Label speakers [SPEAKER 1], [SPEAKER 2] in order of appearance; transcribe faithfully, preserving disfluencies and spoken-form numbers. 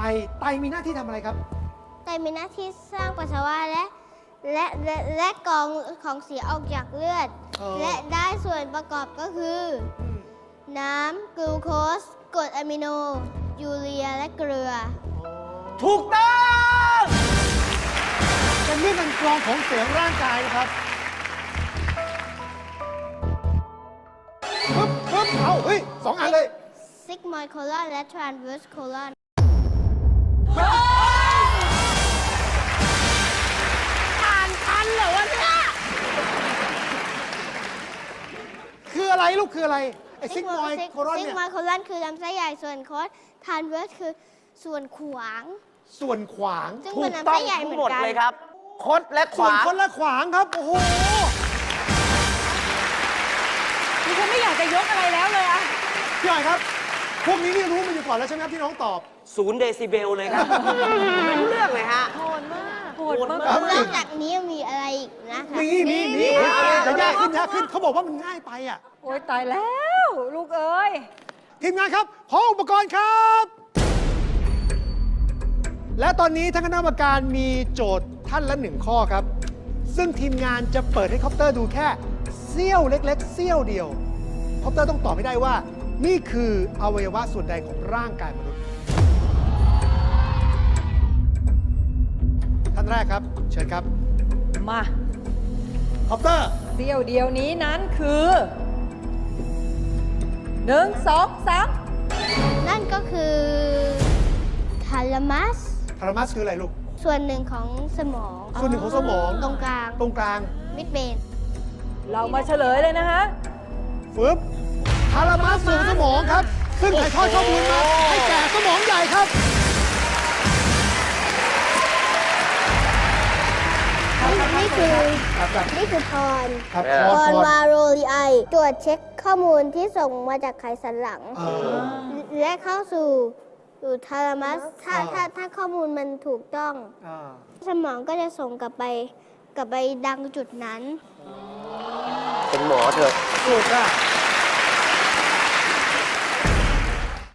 [SPEAKER 1] ไตมีหน้าที่ทำอะไรครับ
[SPEAKER 2] ไตมีหน้าที่สร้างปัสสาวะและและและและกรองของเสียออกจากเลือด
[SPEAKER 1] เออ
[SPEAKER 2] และได้ส่วนประกอบก็คือ
[SPEAKER 1] อืม
[SPEAKER 2] น้ำกลูโคสกรดอะมิโน ยูเรียและเกลือ
[SPEAKER 3] ถูกต้อง
[SPEAKER 1] เป็นเรื่องการกรองของเสียงร่างกายนะครับปึ๊บปึ๊บเอาเฮ้ยสองอันเลย
[SPEAKER 2] ซิกมอยด์โคลอนและทรานเวอร์สโคลอน
[SPEAKER 3] อ่านทันเหรอวะเนี่ย
[SPEAKER 1] คืออะไรลูกคืออะไร ไอ้ซิกมอยโครอน
[SPEAKER 2] ซิก
[SPEAKER 1] เนี่ย
[SPEAKER 2] มอยด์โคลอนคือลำไส้ใหญ่ส่วนโคสทรานเวอร์สคือส่วนขวาง
[SPEAKER 1] ส่วนขวาง
[SPEAKER 2] ซึ่ง
[SPEAKER 3] ถู
[SPEAKER 2] เป็น
[SPEAKER 3] ก
[SPEAKER 2] ลำ
[SPEAKER 3] ต้อ
[SPEAKER 2] ไส้
[SPEAKER 3] ง
[SPEAKER 2] ใหญ่เห
[SPEAKER 3] ทั้
[SPEAKER 2] มื
[SPEAKER 3] ง
[SPEAKER 2] อน
[SPEAKER 3] หมด
[SPEAKER 2] กัน
[SPEAKER 3] เลยครับ คดและข
[SPEAKER 1] ส่วน
[SPEAKER 3] วา
[SPEAKER 1] คนละขวางครับ โอ้โห
[SPEAKER 4] ดิฉันไม่อยากจะยกอะไรแล้วเลยอะ
[SPEAKER 1] พี่หน่อยครับ พวกนี้นี่รู้มาอยู่ก่อนแล้วใช่ไหมครับที่น้องตอบ
[SPEAKER 3] ศูนย์เดซิเบลเลยครับ ไม่รู้เรื่องเลยฮะ
[SPEAKER 4] โหดมากโหดมาก
[SPEAKER 1] ครับ
[SPEAKER 2] นอกจากนี้ยังมีอะไรอีกนะคะ
[SPEAKER 1] มีมีมีจะยากขึ้นยากขึ้นเขาบอกว่ามันง่ายไปอ่ะ
[SPEAKER 4] โอ๊ยตายแล้ว ลูกเอ้ย
[SPEAKER 1] ทีมงานครับ ขออุปกรณ์ครับ และตอนนี้ท่านคณะกรรมการมีโจทย์ท่านละหนึ่งข้อครับ ซึ่งทีมงานจะเปิดให้คอปเตอร์ดูแค่เสี้ยวเล็กๆ เสี้ยวเดียว คอปเตอร์ต้องตอบให้ได้ว่า นี่คืออวัยวะส่วนใดของร่างกายมนุษย์ ท่านแรกครับ เชิญครับ
[SPEAKER 4] มา
[SPEAKER 1] คอปเตอร์
[SPEAKER 4] เสี้ยวเดียวนี้นั้นคือหนึ่งสองสาม
[SPEAKER 2] นั่นก็คือทาลามัส
[SPEAKER 1] ทารามัสคืออะไรลูก
[SPEAKER 2] ส่วนหนึ่งของสมอง
[SPEAKER 1] ส่วนหนึ่งของสมอง
[SPEAKER 2] ตรงกลาง
[SPEAKER 1] ตรงกลาง
[SPEAKER 2] มิดเบน
[SPEAKER 4] เรามาเฉลยเลยนะฮะ
[SPEAKER 1] ฟึบทารามัสส่วนสมองครับ ซึ่งถ่ายทอดข้อมูลมาให้แก่สมองใหญ่ครับ
[SPEAKER 2] นี่คือ
[SPEAKER 1] ครับครับ
[SPEAKER 2] นี่คือพร
[SPEAKER 1] ครับ
[SPEAKER 3] เออ
[SPEAKER 1] พ
[SPEAKER 2] พ
[SPEAKER 1] อ
[SPEAKER 2] ร
[SPEAKER 1] พอ
[SPEAKER 2] วาโรลีไอตรวจเช็คข้อมูลที่ส่งมาจากไขสันหลัง
[SPEAKER 1] เออ
[SPEAKER 2] และเข้าสู่สู่ทาลามัส ถ้า
[SPEAKER 1] อ่า
[SPEAKER 2] ถ้าถ้าข้อมูลมันถูกต้อง
[SPEAKER 1] อ่า
[SPEAKER 2] สมองก็จะส่งกลับไปกลับไปดังจุดนั้น
[SPEAKER 3] เป็นหมอเถอะ
[SPEAKER 1] ถูกอ่ะ